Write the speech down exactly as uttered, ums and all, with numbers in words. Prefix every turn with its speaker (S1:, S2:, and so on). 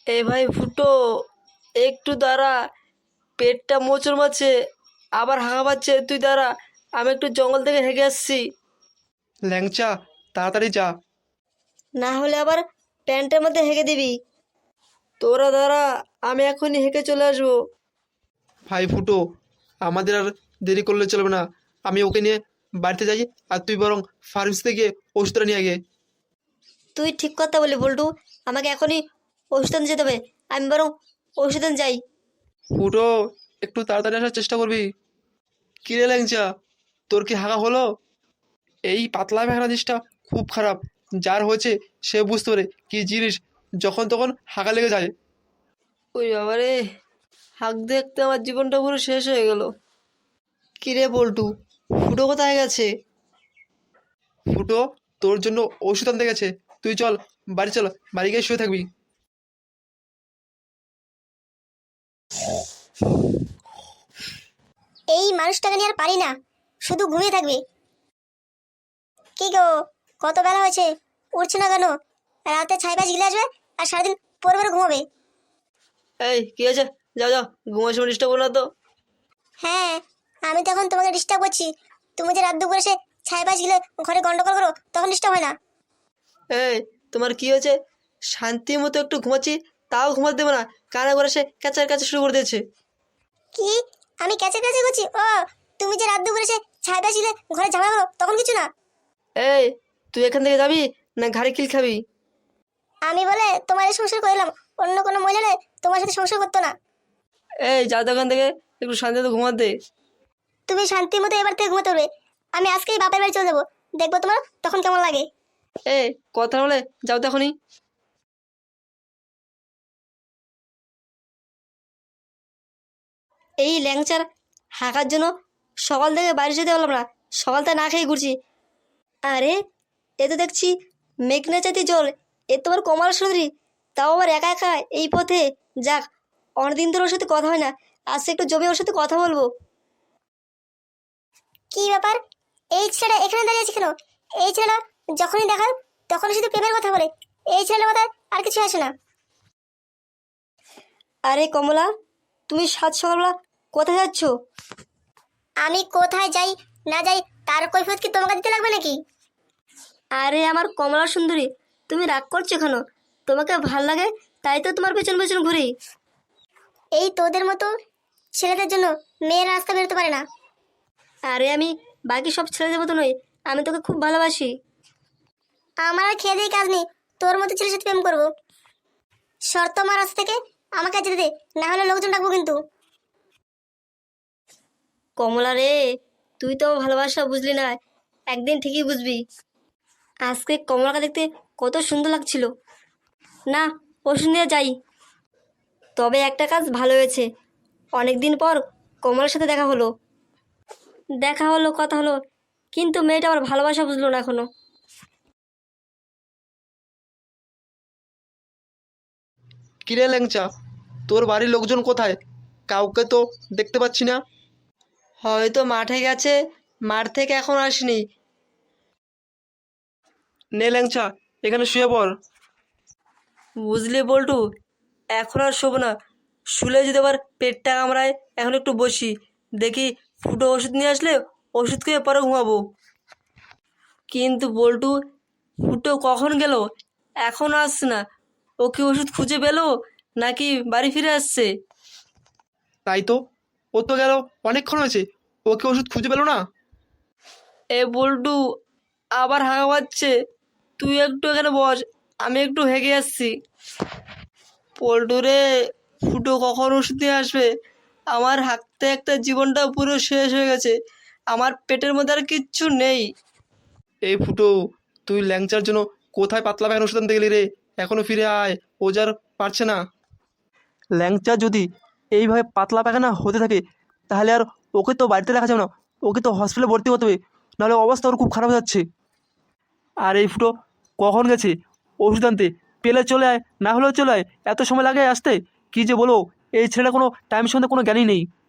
S1: এ ভাই ফুটো, একটু দাঁড়া। পেটটা মোচড় মারছে, আবার হাঁকা পাচ্ছে। তুই দাঁড়া, আমি একটু জঙ্গল থেকে হেঁকে আসছি।
S2: ল্যাংচা, তাড়াতাড়ি যা।
S1: না হলে আবার প্যান্টের মধ্যে হেঁকে দিবি। তোরা দাঁড়া, আমি এখনই হেঁকে চলে আসবো।
S2: ভাই ফুটো, আমাদের আর দেরি করলে চলবে না। আমি ওকে নিয়ে বাড়িতে যাই, আর তুই বরং ফার্মেসিতে গিয়ে ওষুধটা নিয়ে আগে।
S1: তুই ঠিক কথা বলি বল্টু, আমাকে এখনই ওষুধ আনতে যেতে হবে। আমি বরং ওষুধ আনতে যাই।
S2: ফুটো, একটু তাড়াতাড়ি আসার চেষ্টা করবি। কিরে ল্যাংচা, তোর কি হাগা হলো? এই পাতলা পায়খানা জিনিসটা খুব খারাপ। যার হয়েছে সে বুঝতে পারে কি জিনিস, যখন তখন হাগা লেগে যায়।
S1: ওই বাবারে, হাঁক দেখতে আমার জীবনটা পুরো শেষ হয়ে গেল। কিরে বল্টু, ফুটো কোথায় গেছে?
S2: ফুটো তোর জন্য ওষুধ আনতে গেছে। তুই চল, বাড়ি চল, বাড়ি গিয়ে শুয়ে থাকবি।
S3: এই মানুষটাকে নিয়ে আর পারি না, শুধু ঘুমিয়ে থাকবে। কি গো, কত বেলা হয়েছে, উঠছে না কেন? রাতে ছাই পাশ গিলে আসবে আর সারাদিন পরে পরে ঘুমাবে।
S1: এই কি আছে? যাও যাও, ঘুমার সময় ডিস্টার্ব করো না তো।
S3: হ্যাঁ, আমি তখন তোমাকে ডিস্টার্ব করছি। তুমি যে রাত দুপুরে এসে ছাই পাশ গিলে ঘরে গন্ডগোল করো, তখন ডিস্টার্ব হয় না।
S1: এই, তোমার কি হয়েছে? শান্তি মতো একটু ঘুমাচ্ছি, তাও ঘুমাতে দেবো না। কানে করে সে ক্যাচার ক্যাচার শুরু করে দিয়েছে।
S3: কি? আমি ক্যাচে ক্যাচে করছি? ও, তুমি যে রাত দুপুরে এসে ছাই পাশ গিলে ঘরে ঝামেলা করো, তখন কিছু না।
S1: এই, তুই এখান থেকে যাবি না ঘাড়ে কিল খাবি?
S3: আমি বলে তোমার এই সংসার করলাম, অন্য কোনো মহিলা হলে তোমার সাথে সংসার করতো না।
S1: এই যা তো এখান থেকে, একটু শান্তিতে ঘুমাতে দে।
S3: তুমি শান্তি মতো এবার থেকে ঘুমাতে পারবে। আমি আজকেই বাপের বাড়ি চলে যাবো, দেখবো তোমার তখন কেমন লাগে।
S1: এই কথা বলে যাও তো এখনই। এই ল্যাংচার হাঁকার জন্য সকাল থেকে বাড়ি যেতে পারলাম না, সকালটা না খেয়ে ঘুরছি। আরে, এ তো দেখছি মেঘনা চাইতে জল, এ তোমার কমাল সুন্দরী, তাও আবার একা একা এই পথে। যাক, অনেকদিন ধরে ওর সাথে কথা হয় না, আজকে একটু জমে ওর সাথে কথা বলবো।
S3: কি ব্যাপার, এই ছেলেটা এখানে দাঁড়িয়ে আছে কেন? এই ছেলেটা যখনই দেখার তখনই শুধু প্রেমের কথা বলে। এই ছেলেটার মাথায় আর কিছু আসে না।
S1: আরে কমলা, তুমি সাত সকালবেলা কোথায় যাচ্ছ?
S3: আমি কোথায় যাই না যাই তার কৈফিয়ত কি তোমাকে দিতে লাগবে নাকি?
S1: আরে আমার কমলা সুন্দরী, তুমি রাগ করছো কেন? তোমাকে ভাল লাগে তাই তো তোমার পেছন পেছন ঘুরি।
S3: এই তোদের মতো ছেলেদের জন্য মেয়ের রাস্তা বেরোতে পারে না।
S1: আরে আমি বাকি সব ছেলেদের মতো নই, আমি তোকে খুব ভালোবাসি।
S3: আমার আর খেয়ে দিয়ে কাজ নেই, তোর মতো ছেলের সাথে প্রেম করবো। শর্ত আমার রাস্তা থেকে আমাকে যেতে দে, না হলে লোকজন ডাকবো কিন্তু।
S1: কমলা রে, তুই তো আমার ভালোবাসা বুঝলি না, একদিন ঠিকই বুঝবি। আজকে কমলাকে দেখতে কত সুন্দর লাগছিল। না, ওষুধ নিয়ে যাই। তবে একটা কাজ ভালো হয়েছে, অনেকদিন পর কমলার সাথে দেখা হলো। দেখা হলো, কথা হলো, কিন্তু মেয়েটা আমার ভালোবাসা বুঝলো না এখনো।
S2: কিরে ল্যাংচা, তোর বাড়ির লোকজন কোথায়? কাউকে তো দেখতে পাচ্ছি না।
S1: হয়তো মাঠে গেছে, মাঠ থেকে এখন আসেনি।
S2: নে ল্যাংচা, এখানে শুয়ে পড়।
S1: বুঝলি বল্টু, এখন আর শোবো না। শুলে যদি আবার পেটটা কামড়ায়, এখন একটু বসি, দেখি ফুটো ওষুধ নিয়ে আসলে ওষুধ খেয়ে পরে ঘুমাবো। কিন্তু বল্টু, ফুটো কখন গেল? এখনও আসছে না। ও কি ওষুধ খুঁজে পেলো নাকি বাড়ি ফিরে আসছে?
S2: তাই তো, ও তো গেল অনেকক্ষণ হয়েছে, ওকে ওষুধ খুঁজে পেলো না।
S1: এ বল্টু, আবার হাঁকা পাচ্ছে। তুই একটু এখানে বস, আমি একটু হেগে আসছি। পল্টু রে, ফুটো কখন ওষুধ নিয়ে আসবে? আমার হাঁকতে হাঁকতে জীবনটা পুরো শেষ হয়ে গেছে, আমার পেটের মধ্যে আর কিচ্ছু নেই।
S2: এই ফুটো, তুই ল্যাংচার জন্য কোথায় পাতলা পায়খানা ওষুধ আনতে গেলি রে? এখনো ফিরে আয়, ও যার পারছে না। ল্যাংচা যদি এইভাবে পাতলা পায়খানা হতে থাকে, তাহলে আর ওকে তো বাড়িতে রাখা যাবে না, ওকে তো হসপিটালে ভর্তি হতে হবে, নাহলে অবস্থা ওর খুব খারাপ হয়ে যাচ্ছে। আর এই ফুটো কখন গেছে ওষুধ আনতে? পেলে চলে আয়, না হলেও চলে আয়, এত সময় লাগে আসতে? কী যে বলো, এই ছেলেটা কোনো টাইম সম্বন্ধে কোনো জ্ঞানই নেই।